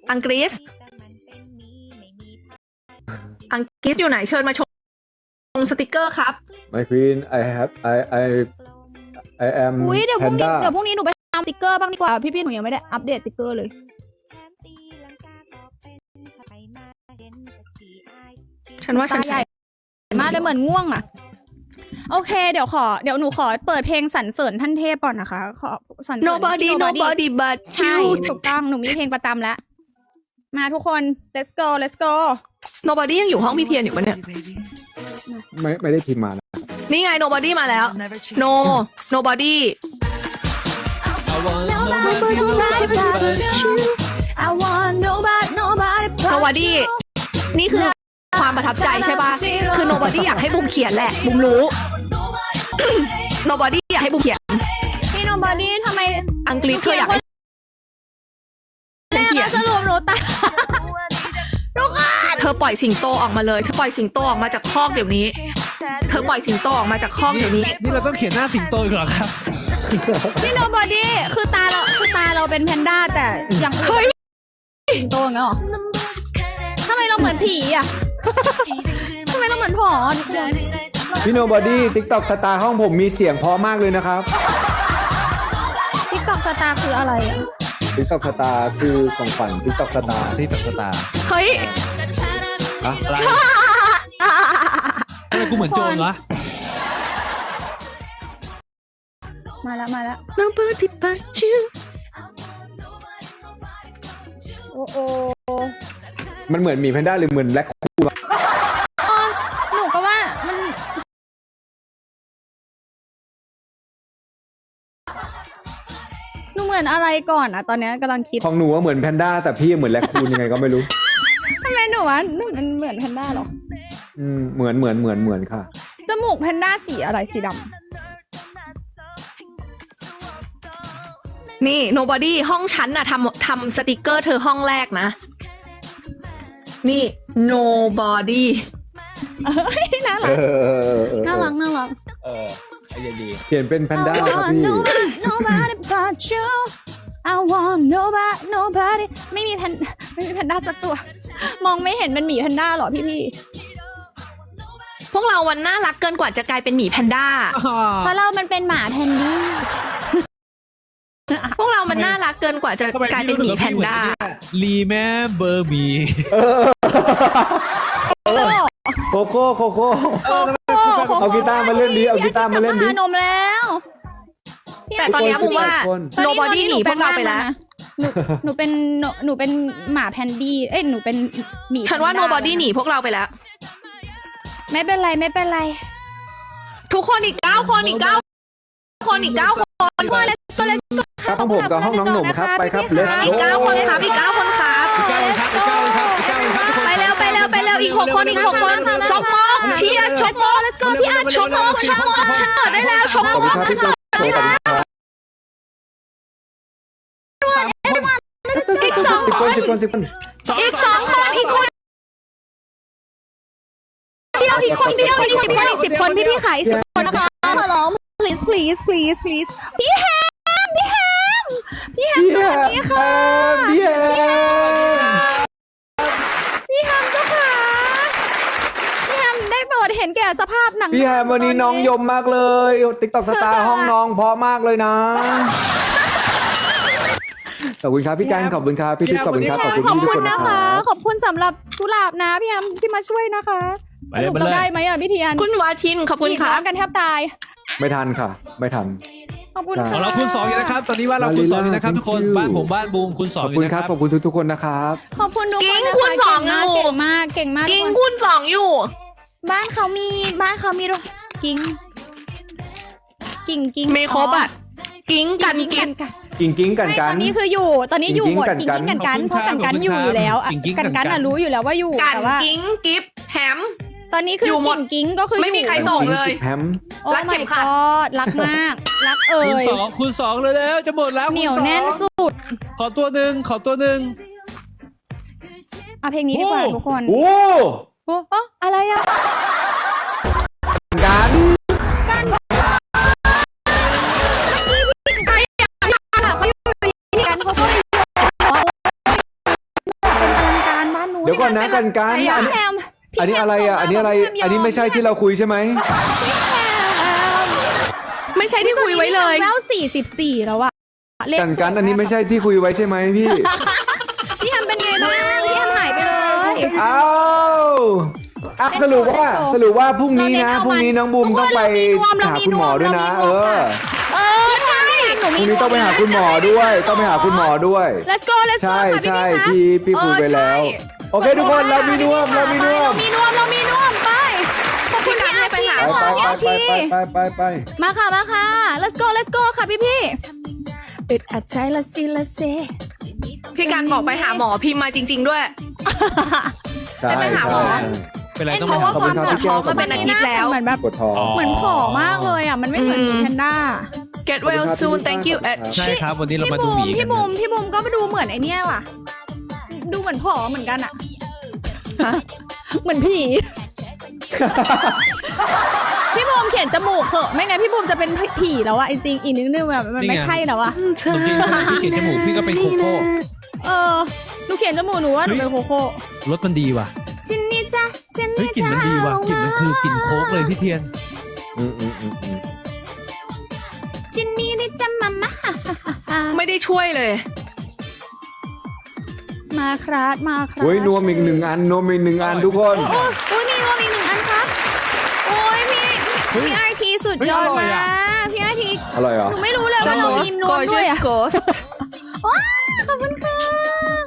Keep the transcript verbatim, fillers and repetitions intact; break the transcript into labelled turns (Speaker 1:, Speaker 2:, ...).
Speaker 1: อังกฤษอังกฤษอยู่ไหนเชิญมาชมสติกเกอร์ครับ
Speaker 2: My Queen I have I I I am
Speaker 3: อุ้ยเดี๋ยวพรุ่งนี้
Speaker 2: Panda
Speaker 3: เดี๋ยวพรุ่งนี้หนูไปทำสติกเกอร์บ้างดีกว่าพี่ๆหนูยังไม่ได้อัปเดตสติกเกอร์เลย
Speaker 1: ฉันว่าฉัน
Speaker 3: ตาใหญ่มากเลยเหมือนง่วงอ่ะโอเคเดี๋ยวขอเดี๋ยวหนูขอเปิดเพลงสรรเสริญท่านเทพก่อนนะคะขอสรรเสริญ
Speaker 1: nobody nobody but
Speaker 3: ใช่
Speaker 1: you
Speaker 3: ถูกต้องหนูมีเพลงประจำแล้วมาทุกคน let's go let's go
Speaker 1: nobody ยังอยู่ห้องพี่เทียนอยู่ปะเนี่ย
Speaker 2: ไม่ไม่ได้พิมพ์มานะ
Speaker 1: นี่ไง nobody มาแล้ว no nobody
Speaker 3: I want nobody nobody
Speaker 1: nobody นี่คือความประทับใจใช่ป่ะคือ nobody อยากให้บุมเขียนแหละบุมรู้ nobody อยากให้บุมเขียน
Speaker 3: พี่ nobody ทำไม
Speaker 1: อังกฤษเธออยากให้
Speaker 3: แม่มาสรุปหนูตาทุกคน
Speaker 1: เธอปล่อยสิงโตออกมาเลยเธอปล่อยสิงโตออกมาจากคอกเดี๋ยวนี้เธอปล่อยสิงโตออกมาจากคอกเดี๋ยวนี้
Speaker 4: นี่เราต้องเขียนหน้าสิงโตอีกเหรอครับ
Speaker 3: พี่ nobody คือตาเราคือตาเราเป็นแพนด้าแต่อย่างเฮ้ยสิงโตอย่างเงี้ยหรอทำไมเราเหมือนผีอ่ะ ทำไมเราเหมือนผอทุกคน
Speaker 2: พี่ Nobody TikTok สตาร์ห้องผมมีเสียงเพราะมากเลยนะครับ
Speaker 3: ติ๊กต็อกสตาร์คืออะไรอ่ะ
Speaker 2: TikTok สตาร์คือของฝัน TikTok สตาร์
Speaker 4: ที่ตักตา
Speaker 1: เฮ้ย
Speaker 2: อะ
Speaker 4: อะไรทำไมกูเหมือนโจรวะ
Speaker 3: มาแล้วมาแล้ว
Speaker 1: nobody but you
Speaker 3: โอ้โอ
Speaker 2: มันเหมือนหมีแพนด้าหรือเหมือนแร็คคูน
Speaker 3: อ๋อหนูก็ว่ามันหนูเหมือนอะไรก่อนอ่ะตอนนี้กำลังคิด
Speaker 2: ของหนูว่าเหมือนแพนด้าแต่พี่เหมือนแร็คคูนยังไงก็ไม่รู้
Speaker 3: ทำไมหนูว่าหนูมันเหมือนแพนด้าหรอ
Speaker 2: อืมเหมือนเหมือนเหมือนเหมือนค่ะ
Speaker 3: จมูกแพนด้าสีอะไรสีด
Speaker 1: นี่ nobody ห้องฉันน่ะทำทำสติกเกอร์เธอห้องแรกนะ นี่ nobody
Speaker 3: ำเอ้ยน่า
Speaker 2: เอ
Speaker 3: รัก
Speaker 2: อ
Speaker 3: น่ารักน่ารัก
Speaker 4: เออไอเดียดี
Speaker 2: เขียนเป็นแพนด้าครับพี่
Speaker 3: nobody nobody but you I want nobody nobody ไม่มีแพนไม่มีแพนด้าสักตัว มองไม่เห็นเป็นหมีแพนด้าหรอพี่พี่
Speaker 1: พวกเราวันน่ารักเกินกว่าจะกลายเป็นหมีแพนด้า
Speaker 3: เพราะเรามันเป็นหมาแพนด้า
Speaker 1: พวกเรามันน่ารักเกินกว่าจะกลายเป็นหมีแพนด้า
Speaker 4: รีแมเบอร์มี
Speaker 2: โคโค่โคโค่เอากีตาร์มาเล่นดิเอากีตาร์มาเล่นดิ
Speaker 3: นมแล้ว
Speaker 1: แต่ตอนนี้พูดว่า
Speaker 2: คน
Speaker 1: nobody หนีพวกเราไปแล้ว
Speaker 3: หนูหนูเป็นหนูหนูเป็นหมาแพนดี้เอ้ยหนูเป็นหมี
Speaker 1: ฉันว่า
Speaker 3: แพด้
Speaker 1: nobody หนีพวกเราไปแล้ว
Speaker 3: ไม่เป็นไรไม่เป็นไร
Speaker 1: ทุกคนอีกเก้าคนอีกเก้าคนอีกเก้าคน
Speaker 3: คน let's go let's go
Speaker 2: ครับห้องผมกับห้องน้องหนุ่มครับไปครับ let's
Speaker 1: อีก
Speaker 2: go
Speaker 1: เก้าคนครับอีกเก้าคนครับ
Speaker 4: อีกเก้าคนครับอีกเก้าคนครับอีกเก้าคนครับทุกคน
Speaker 1: ไปเร็วไปเร็วไปเร็วอีกหกคนอีกหกคนชกโมกเชียร์ชกโมก let's go พี่อาร์ชกโมกชกโมกฉันเปิดได้แล้วชก
Speaker 2: ขอบ
Speaker 1: โม
Speaker 2: คุณ
Speaker 1: ก
Speaker 2: ครับพี่โจขอบคุณครับ
Speaker 1: อีกสอง
Speaker 2: สิบ
Speaker 1: ค
Speaker 2: คน
Speaker 1: น
Speaker 2: สิบคนสิบคน
Speaker 1: อีกสองคนอีกคนเดียวอีกคนเดียวอีกสิบคนอีกสิบคนพี่พี่ขายสิบคนนะคะขอร้อง
Speaker 3: please please please please พี่แฮมพี่แฮมพี่แฮม
Speaker 2: พี่
Speaker 3: ส
Speaker 2: แฮ
Speaker 3: วัส
Speaker 2: ม
Speaker 3: ดีค่ะ
Speaker 2: พี่แฮม
Speaker 3: พี่แฮมเจ้าค่ะพี่แฮมได้โปรดเห็นแก่สภาพหนัง
Speaker 2: พี่แฮมวันนี้น้องยมมากเลยติ๊กต็อกสตาร์ห้องน้องเพราะมากเลยนะขอบคุณครับพี่จันขอบคุณครับพี่ติ๊กขอบคุณครับขอบคุณ
Speaker 3: ขอบ
Speaker 2: พี่ทุก
Speaker 3: คุ
Speaker 2: ค
Speaker 3: ณ
Speaker 2: นนะ
Speaker 3: นะ
Speaker 2: ค
Speaker 3: คะ
Speaker 2: รับ
Speaker 3: ขอบคุณสำหรับกุหลาบนะพี่แฮมที่มาช่วยนะคะสรุปเราได้ไหมอ่ะพี่เทียน
Speaker 1: คุณวาทินขอบคุณค
Speaker 3: ร้
Speaker 1: รั
Speaker 3: อบ งกันแทบตาย
Speaker 2: ไม่ทันค่ะ ไม่ทัน
Speaker 3: ขอบคุณ
Speaker 4: ของ
Speaker 3: ค่ะ
Speaker 4: เราคูณสองอยู่นะครับ ตอนนี้ว่าเราคูณสองอยู่นะครับทุกคน
Speaker 2: Thank you
Speaker 4: บ้านผมบ้านบูมคูณส
Speaker 2: ข
Speaker 4: อง
Speaker 2: อบ
Speaker 4: อ
Speaker 2: คุ
Speaker 4: ยู่
Speaker 2: ณ
Speaker 4: นะ
Speaker 2: ค
Speaker 4: ค
Speaker 2: รั
Speaker 4: รั
Speaker 2: บบ ขอบคุณทุกๆคนนะครับ
Speaker 3: ขอบคุณทุกคน
Speaker 1: กิ้ง
Speaker 3: นะ
Speaker 1: คู
Speaker 3: คะ
Speaker 1: ณสอง
Speaker 3: เก่งมากเก่งมากเก่งมาก
Speaker 1: กิ้ง
Speaker 3: ทุกคน
Speaker 1: คูณสองอยู่
Speaker 3: บ้านเขามีบ้านเขามีด้วยกิ้งกิ้งกิ้ง
Speaker 1: ไม่ครบอ่ะกิ้งกันกิ้ง
Speaker 2: กิ้งกิ้งกัน
Speaker 3: ไม่
Speaker 2: กั
Speaker 3: ตอน นนี้คืออยู่ ตอนนี้อยู่หมด
Speaker 2: กิ้
Speaker 3: กิ้
Speaker 2: ง
Speaker 3: ง
Speaker 2: กิ้
Speaker 3: กิ้
Speaker 2: ง
Speaker 3: ง
Speaker 2: กั
Speaker 3: กัน นกันเพราะกันกันอยู่อยู่แล้วอะกันกันอะรู้อยู่แล้วว่าอยู่
Speaker 1: กัน
Speaker 3: แต่ว่า
Speaker 1: กิ้งกิฟแฮม
Speaker 3: ตอนนี้คือ
Speaker 1: อยู่หมด
Speaker 3: กิ้งกิ้งก็คือ
Speaker 1: ไม่มีใครส่งเลย
Speaker 2: แฮม
Speaker 3: โอ้
Speaker 1: รักเข็
Speaker 3: my
Speaker 1: มขัด
Speaker 3: god รักมากรักเอ่
Speaker 4: คูณ
Speaker 3: ย
Speaker 4: สองคูณสองเลยแล้วจะหมดแล้ว
Speaker 3: เห
Speaker 4: คู
Speaker 3: นี
Speaker 4: ณ
Speaker 3: ยว
Speaker 4: สอง
Speaker 3: แน่นสุด
Speaker 4: ขอตัวหนึ่งขอตัวหนึ่ง
Speaker 3: เอาเพลงนี้ดีกว่า
Speaker 4: โอ้
Speaker 3: ทุกคน
Speaker 2: โอ้
Speaker 3: โอ้โอ้อะไรอะ
Speaker 2: กันเดี๋ยวก่อนนะกันกัน
Speaker 3: พี่
Speaker 2: อันนี้
Speaker 3: แฮม
Speaker 2: อันนี้อะไรอ่ะอันนี้อะไรอันนี้ไม่ใช่ที่เราคุยใช่ไหม
Speaker 1: ไม่ใช่ที่คุยไว้เลย
Speaker 3: แววสี่สิบสี่แล้วอะเลข
Speaker 2: กันกันอันนี้ไม่ใช่ที่คุยไว้ใช่ไหมพี่
Speaker 3: พี่แฮมเป็นไงบ้างพี่แฮมหายไปเลย
Speaker 2: อ้าวอ่ะสรุปว่าสรุปว่าพรุ่งนี้นะพรุ่งนี้น้องบูมต้องไปหาคุณหมอด้วยนะ เออ
Speaker 3: เออใช่หนู
Speaker 2: พ
Speaker 3: มี
Speaker 2: รุ่งนี้ต้องไปหาคุณหมอด้วย ต้องไปหาคุณหมอด้วย
Speaker 3: let's go let's go
Speaker 2: ใช่
Speaker 3: ค่ะ
Speaker 2: ใช่
Speaker 3: พี่พี่
Speaker 2: พี่พี่คุยไปแล้ว โอเคทุกคนเรามีนวมเรามีนว
Speaker 3: เรา
Speaker 2: ม
Speaker 3: มีนวมเรามีนวมไปขอบคุณพี่อาชี
Speaker 2: ไป
Speaker 3: ขอบ
Speaker 2: ไป
Speaker 3: คุณพี่อา
Speaker 2: ไป
Speaker 3: ชี
Speaker 2: ไปไปไปไป
Speaker 3: มาค่ะมาค่ะ let's go let's go ค่ะพี่พี่อึดอัดใจละสิละเซ
Speaker 1: พี่การบอกไปหาหมอพิมพ์มาจริง ๆ ด้วย
Speaker 2: ใช่
Speaker 1: ไปหาหม
Speaker 2: ใช่
Speaker 1: อ
Speaker 4: เป็นไรต้อง
Speaker 1: เพ
Speaker 4: ไป
Speaker 1: ราะว่า
Speaker 4: หา
Speaker 1: ความปวดท้องมาเป็นอาทิตย์แล้ว
Speaker 3: เหมือนแบบ
Speaker 2: ปวดท้อง
Speaker 3: เหมือนผอมมากเลยอ่ะมันไม่เหมือน
Speaker 1: อืม
Speaker 3: แพนด้า
Speaker 1: get well soon thank you at
Speaker 4: ใช่ครับวันนี้เรา
Speaker 3: พี่
Speaker 4: มาดู
Speaker 3: บู
Speaker 4: ห
Speaker 3: ม
Speaker 4: มีกั
Speaker 3: พี่
Speaker 4: น
Speaker 3: บูมพี่บูมก็ดูเหมือนไอเนี้ยว่ะ ดูเหมือนผอมเหมือนกันอ่ะ เหมือนผี พี่บูมเขียนจมูกเถอะไม่งั้นพี่บูมจะเป็นผีแล้วอะจริงๆอีกนิดนึงแบบมันไม่ใช่แล้วอะ
Speaker 4: ขนมจีนพี่เขียนจมูกพี่ก็เป็นโคโค่
Speaker 3: เออหนูเขียนจมูกหนูว่าหนูเป็นโคโค่
Speaker 4: รสมันดีว่ะ
Speaker 3: จินนี่จ้ะจิน
Speaker 4: เฮ้ย
Speaker 3: นี่
Speaker 4: กลิ่นมันดีว่ะกลิ่นมันคือกลิ่นโค้กเลยพี่เทียน
Speaker 2: อืมอืมอืมอืม
Speaker 3: จินนี่นี่จ้ะมามา
Speaker 1: ไม่ได้ช่วยเลย
Speaker 3: มาครับมาครับ
Speaker 2: โอ้ยนวมอีกหนึ่งอันนวมอีกหนึ่งอันทุกคน
Speaker 3: โอ้ยโอ้ยมีนวมอีกหนึ่งอันครับโอ้ยพี่
Speaker 4: เฮ้ย
Speaker 3: พี่ไอทีสุด
Speaker 4: เฮ้ย
Speaker 3: ยอด
Speaker 4: อร่อย
Speaker 3: มา
Speaker 4: อะ
Speaker 3: กพี่ไอที
Speaker 2: อร่อยเหรอ
Speaker 3: หนูไม่รู้เลยว่าเรามี
Speaker 1: Ghost
Speaker 3: นวมด้วย
Speaker 1: gorgeous
Speaker 3: อะ
Speaker 1: ghost
Speaker 3: ว้าวขอบคุณค่ะ